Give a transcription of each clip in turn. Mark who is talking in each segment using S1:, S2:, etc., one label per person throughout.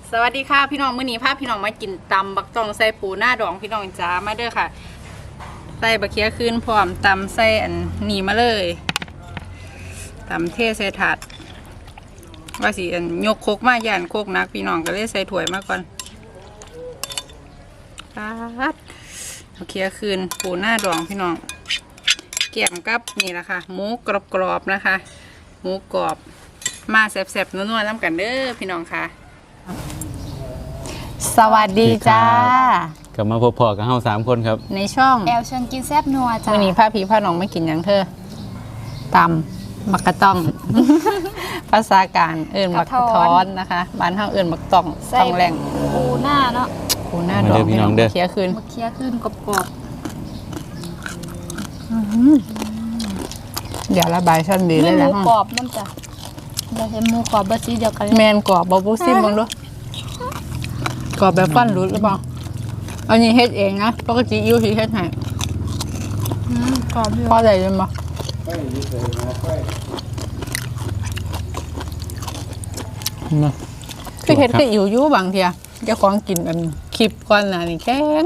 S1: สวัสดีค่ะพี่น้องมื้อนี้พาพี่น้องมากินตำบักตองใส่ปูหน้าดองพี่น้องจ้ามาเด้อค่ะใส่บะเขียขึ้นพร้อมตำใส่อันนี้มาเลยตำเทใส่ถาดว่าสิอันยกโคกมาย่านโคกนักพี่น้องก็เลยใส่ถ้วยมาก่อนปัดบะเขียขึ้นปูหน้าดองพี่น้องเกี่ยมกับนี่แหละค่ะหมูกรอบๆนะคะหมูกรอบมาแซ่บๆนัวๆน้ำกันเด้อพี่น้องค่ะสวัสดีจ้าก
S2: ลับมาพบพอกับเฮา3 คนครับ
S1: ในช่อง
S3: แอลเชิญกินแซบนัวจ้า
S1: วันนี้พาพี่พาน้องไม่กินอย่างเธอตำบักกะต้อง ภาษาการเอื่นบักกะท้อนนะคะบ้านเฮาเอื่นบักต้องต้องแรง
S3: ปูหน้าเนาะ
S1: ปูหน้าดองพี่น้องเคี้ยวคืน
S3: เคี้ยวขึ้นกรอบ
S1: เดี๋ยวระบายช่อนดีเลยนะ
S3: หมูกรอบนั่นจ้ะเราเห็นหมูกรอบบะซีเดียวกัน
S1: แมนกรอบบะบูซิมบ้างด้วยกรอบแบบฟันรุดหรือเปล่าอันนี้เฮ็ดเองนะปกติยูที่เฮ็ดให้
S3: กรอบ
S1: พอได้เลยมั้ยคือเฮ็ดก็อยู่บางเทียเจ้าของกินอันคลิปก่อนน่ะนี่แข็ง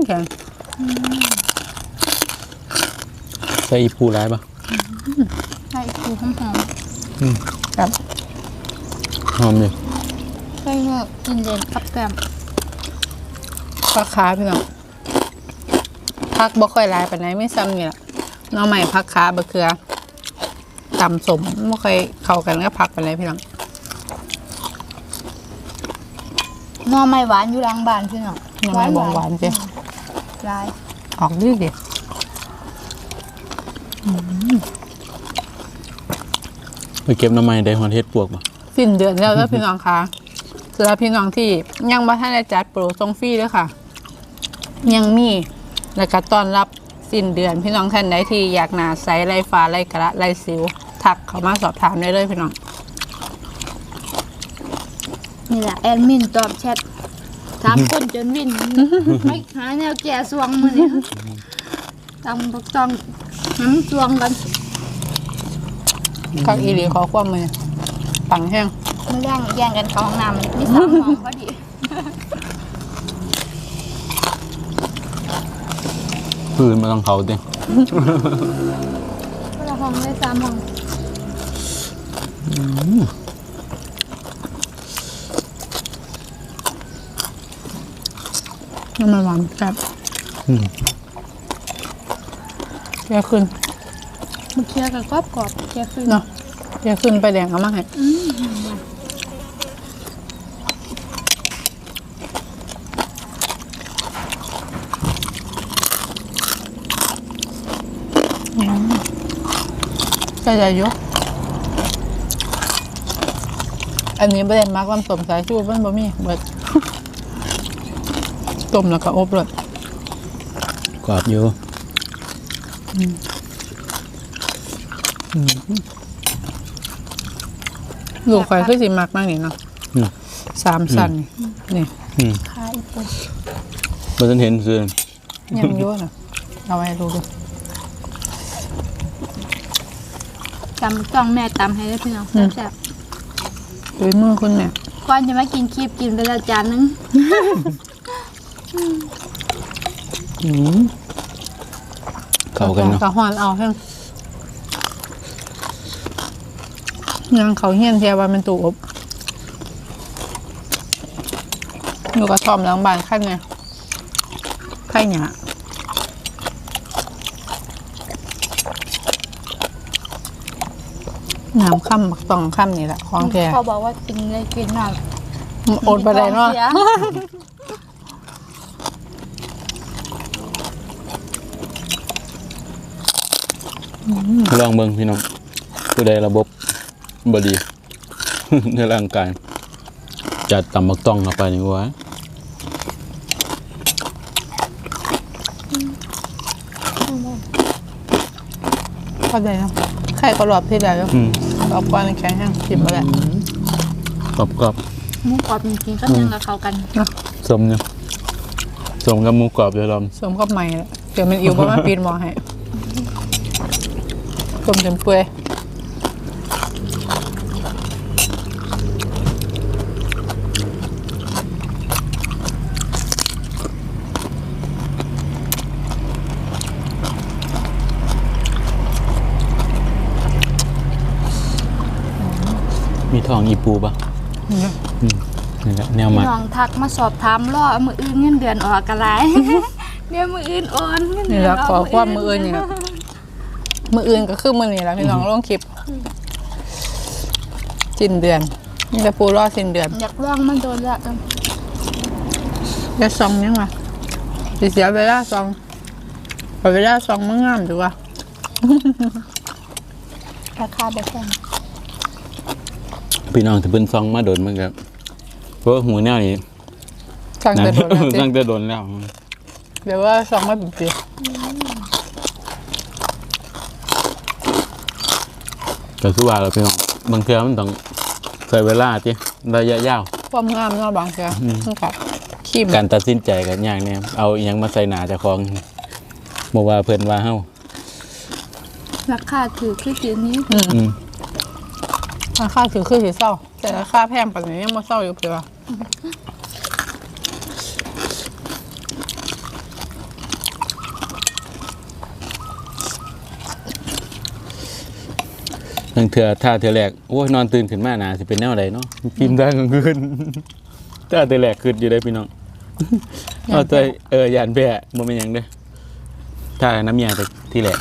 S2: ใส่ปูร้ายปะ
S3: ใส่ปูหอม
S1: ครับ
S2: หอมเลย
S3: ใส่เนื้อกินเย็นกับแกม
S1: ผักขาพี่น้องผักบ่ค่อยหลายปานไหนไม่ซ้ำนี่ล่ะน้องใหม่ผักขาบะเขือตำสมบ่ค่อยเข้ากันกับผักปานไหนพี่น้อง
S3: หน่อไม้หวานอยู่หลังบ้านพี่น้อง
S1: หน่อไม้หวานจ้ะ
S3: ลาย
S1: ออกดีดิ
S2: ไปเก็บน้ำมันได้หอนเฮ็ดปวกป่ะ
S1: สิ้นเดือนแล้วพี่น้องคะสำหรับพี่น้องที่ยังบ่ทันได้จัดโปรส่งฟรีเด้อค่ะยังมีแล้วก็ต้อนรับสิ้นเดือนพี่น้องท่านใดที่อยากหน้าใสไร้ฟ้าไร้กระไร้สิวทักเข้ามาสอบถามได้เลยพี่น้อง
S3: นี่แหละแอดมินตอบแชท3 คนจนวินไม่หาแนวแก่สวงมื้อนี้ตำบักตองน้ำสวงกัน
S1: คักอีหลีขอความมือปังแห้ง
S3: ไม่แย่งกันเข้าห้องน้ำมี3 ห้องพอดี
S2: พื้นมาต้องเขาดิ
S3: ก็ละห้องได้3 ห้อง
S1: น้ำมันหวานครับแก่ขึ้น
S3: มันเคี้ยวกับกรอบแก่ขึ้น
S1: เนาะแก่ขึ้นไปแดงเอามาให้ใส่ใจเยอะอันนี้ประเด็นมากความสมสายชูมันบ่มีเบิดต้มแล้วก็อบเลย
S2: กรอบอยู่
S1: ลูกไฟคือสิมักมากนี่เนาะ3 ชั้นนี่
S3: คายปู
S2: มันจะเห็นคือ
S1: ยังเยอะนะเอาไว้ดู
S3: ตำต้องแม่ตำให้ได้พี่น้องแซ่บ
S1: ดูมือคุณแม่
S3: ก่อนจะมากินคลิปกินไปแล้วจานนึง
S2: เข้ากันเนาะ
S1: กระหอนเอาเพิ่งยังเขาเฮี้ยนเทียว่ามันตูอบอยู่กระท่อมหลังบ้านขั้นไงไข่หยาน้ำค่ำบักต้องค่ำนี่แหละของแก
S3: เขาบอกว่ากินเลยกินมาก
S1: อดไปได้เนาะ
S2: ลองเบิ่งพี่น้องผู้ใดระบบบดี ในร่างกายจัดตำบักต้องเข้าไปนี่วะ
S1: เข้าใจนะไข่กรอบที่ใดแล้วกรอบก้อนแข็งแห้งชิมมาแล้ว
S2: กรอบ
S3: หมูกรอบจริงๆก็ยังกับเขากัน
S2: สมเนี่ยสมกับหมูกรอบเดี๋ยวเรา
S1: สมกับใหม่แล้วเดี๋ยวมันอิ่วเพราะว่าปีนมองให้ต้มจนเปื่อย
S2: อของอีปูปะ
S1: อืม
S2: นี่แหละแนว
S3: พี่
S2: มา
S3: น้องทักมาสอบถามรอมืออื่นเงินเดือนออกกันไร เดี๋ยวมืออื่นโอนเงิน
S1: นี่
S3: เดื
S1: แห
S3: อ
S1: ละ
S3: น
S1: ขอความมืออื่นเนี่ยมืออื่นก็คือมือนี่แหละพี่น้องลงคลิปสิ้นเดือนนี่จะปูรอสิ้นเดือน
S3: อยากลองมันโดนละกัน
S1: จะซองยังไงสิเสียเวลาซองเอาเวลาซองมันงามดูว่า
S3: ราคาแบบแพง
S2: พี่น้องถ้าเพิ่นซองมาโดนมันก็เพราะว่าหูแนวนี้
S1: สั่งแต่โดนแล้วสิ
S2: ตั้งแต่โดนแล้ว
S1: เดี๋ยวว่าซองมาเป็นปี
S2: แต่คือว่าเราพี่น้องบางเทื่อมันต้องใช้เวลาติระยะยาว
S1: ความงามเนาะบางเสียนี่ค่ะขี้ม
S2: การตัดสินใจกันอย่างเนี้ยเอาอหยังมาใส่หนาเจ้าของบ่ว่าเพิ่นว่าเฮา
S3: ราคาถือคือสีนี้
S2: อืม
S1: ราคาถือคือสีเศร้า แต่ราคาแพงปัจจุบันยังมาเศร้าอยู่เพื่อ
S2: บางเทื่อถ้าเทื่อแรกโอ้ยนอนตื่นขึ้นมาหนาสิเป็นแนวใดเนาะกินได้กลางคืน ถ้าเทื่อแรกขึ้นอยู่ได้พี่น้องเอาใจยานแพ้บ่แม่นหยังเด้อถ้าน้ำยาแต่ที่แรก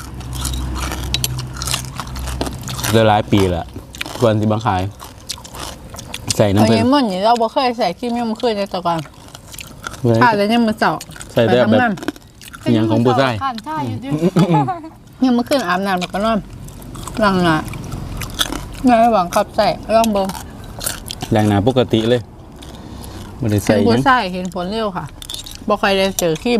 S2: หลายปีละก่อนสิบังขาย ใส่น้ำ
S1: อัน
S2: เพิ่น
S1: นี้มันนี่เราบ่เคยใส่ขี้มยังมันขึ้นในตะกอน
S2: ไว้
S1: ถ้าแล้วยังมันเศร้า
S2: ใส่ได้
S1: ไป
S2: แบบ
S1: ทำงาน
S2: อหย่างของผู้ชาย
S3: ข้านท่าอยู่ดิ
S1: ยังมันขึ้นอาบน้ำแล้วก็นอนหลังน่ะงานหวังขับใส่ลองเบิ่ง
S2: แรงหนาปกติเลยไม่ได้
S1: เห็
S2: ใส่
S1: น
S2: ห
S1: ผู้
S2: ยัง
S1: ใส่เห็นผลเร็วค่ะบ่ค่อยได้เจอขี้ม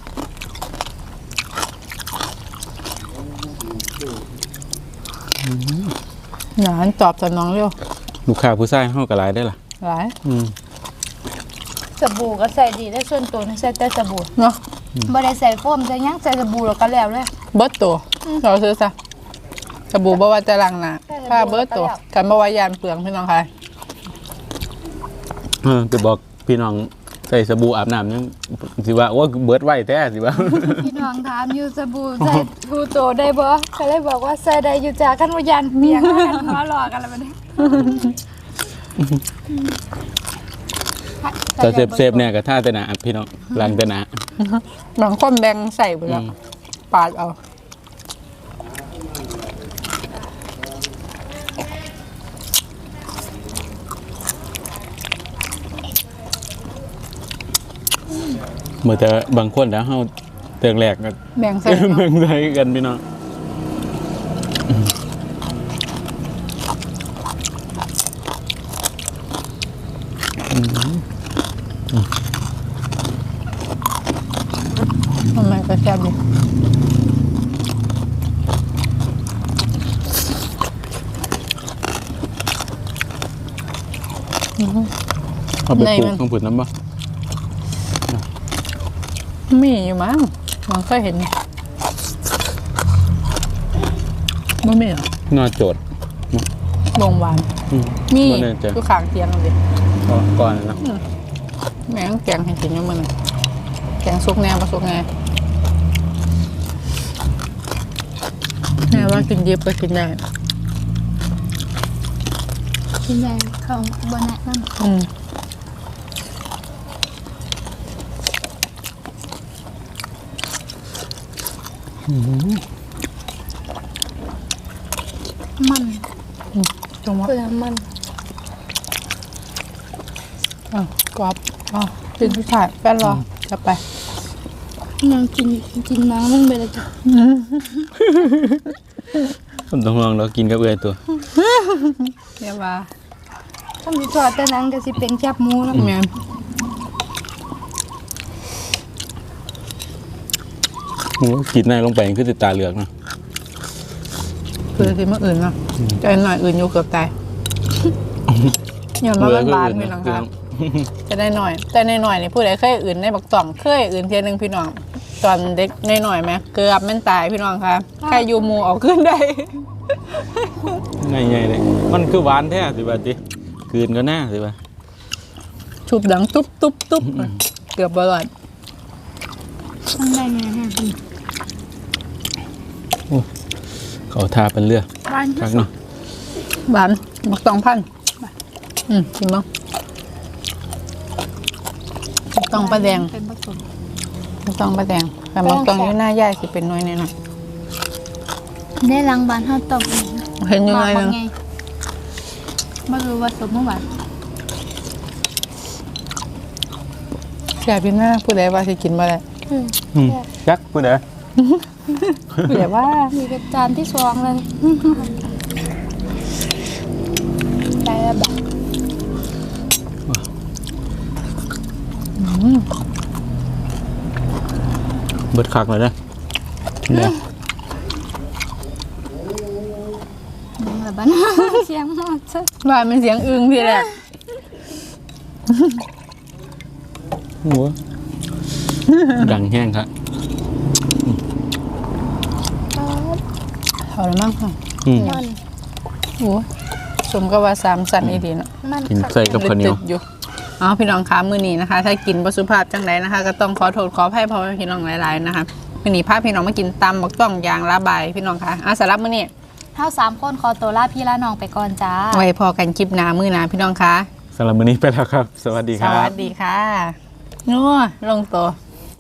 S1: หนานตอบสนองเร็ว
S2: ลูกค้าผู้ชายเฮาก็หลายได้อล่ะ
S1: หลาย
S2: อืม
S3: สบู่ก็ใส่ดีได้ส่วนตัวนี่ใส่แต่สบู่
S1: เนาะ
S3: บ่ได้ใส่โฟมใส่หยังใส่สบู่แล้วก็แล้วเลย
S1: เบิดตัวเราซื้อซะสบู่บ่ว่าจะล้างหน้าถ้าเบิดตัวกันบ่ว่ายานเปลืองพี่น้องค่ะ
S2: จะบอกพี่น้องใส่สบู่อาบน้ำยังสิว่าโอ้เบิดไว้แท้สิว่า
S3: พี่น้องถามอยู่สบู่ใส่ทูโตได้บ่ก็เลยบอกว่าใส่ได้อยู่จ้าคันว่ายันเปียกกันหัวหลอกกันแล้วบัดนี้
S2: แต่เซฟเนี่ยก็ท่าแต่หนาพี่น้องล้างแต่หนา
S1: บางคนแบ่งใส่ไปแล้ว
S2: อืม
S1: ปาดเอา
S2: เมื่อแต่บางคนแล้วเฮาเตืองแรกก็
S1: แบ่งใส่
S2: เมืองไทยกันพี่น้อง
S1: มันก็แซ่บดี
S2: เอาไปปลูกต้องผุดน้ำบ่
S1: มีอยู่มั้งมันเคยเห็นบ่มีเหรอน
S2: อโจด
S1: ลงหวาน
S2: อืม
S1: มี
S2: บ่แน่ใจ
S1: อยู่ข้างเตียงเลย
S2: ก่อนนะ
S1: แม่งแกงให้กินอยู่มื้อนึงแกงสุกแน่บ่สุกแน่แม่ว่ากินดิบก็กินได้
S3: กินได้เขาบ่แนะนำ
S1: อืม
S3: มัน
S1: จงว่า
S3: เปลือกมัน
S1: กรอบกินผู้ชายแฟนรอจะไป
S3: ยังกินน้ำมันไปเลยจ้ะ
S2: ผมต้องลองเรากินกับเอื้อยตัว
S1: เรียกว่า
S3: ถ้ามีทอดแต่นั้นก็สิเป็นแคบหมูแล้ว
S1: แม่น
S2: โอ้กินได้ลงไปคือติดตาเหลือกเนาะ
S1: คือสิมื้ออื่นเนาะแต่หน่อยอื่นอยู่เกือบตายอย่ามาบ้านๆพี่น้องครับ จะได้หน่อย แต่ในหน่อยนี่ผู้ใดเคยอื่นในบักต่องเคยอื่นเทียนึงพี่น้องตอนเด็กในหน่อยไหมเกือบแม่นตายพี่น้องค่ะแค่ยูมูเอาขึ้นได้
S2: ง่ายๆเลยมันคือหวานแท้สิว่าติคืนก็น่าสิว่า
S1: ชุบดังตุ๊บตุ๊บตุ๊บเกือบบอลอด
S3: ต้องได้ไงฮะ
S2: เขาทาเป็นเรือ
S3: บ้าน
S2: คักเนาะ
S1: บานบักตองพันชิมบ้างต้องปลาแดง
S3: เป็นผสม
S1: ต้องปลาแดงแต่บางตองอยู่หน้าย่ายสิเป็นน้อยแน่นอน
S3: ได้ล้างบานเฮาต้มเอง
S1: เห็นยังไง
S3: ว่า
S1: นึง
S3: ไงบ่รู้ว่าสมเมื่อวาน
S1: แซ่บพี่หน้าผู้ใดว่าสิกินบ่ได้
S2: ยักษ์พูดเด้อ
S1: ผู้ใดว่า
S3: มีเป็นจานที่สองเลยได้แล้วแบบ
S2: เบิดคักเลยนะเนี่ย
S3: ยังละบ้าน เสียงหมดซะ
S1: ว่ามันเสียงอึ้งพี่แหละ
S2: หัวดังแห้งครับ
S1: เอาละมั้งค่ะ
S3: มัน
S1: โอ้สมก็ว่า3สันอีดีเนาะ
S3: มัน
S2: กินใส่กับข้าวเหนียว
S1: ตึกๆอยู่อ๋อพี่น้องคะมื้อนี้นะคะ ถ้ากินบ่สุภาพจังไดนะคะ ก็ต้องขอโทษขออภัยพ่อแม่พี่น้องหลายๆนะคะมื้อนี้พาพี่น้องมากินตำบักต้องยางละบายพี่น้องคะสำหรับมื้อนี้
S3: เท่า3คนขอตัวลาพี่ลาน้องไปก่อนจ้า
S1: ไว้พอกันคลิปหน้ามื้อหน้าพี่น้องคะ
S2: สำหรับมื้อนี้ไปแล้วครับ สวัสดีค
S1: ส
S2: รับ
S1: วัสดีค่ะนัวลงตัว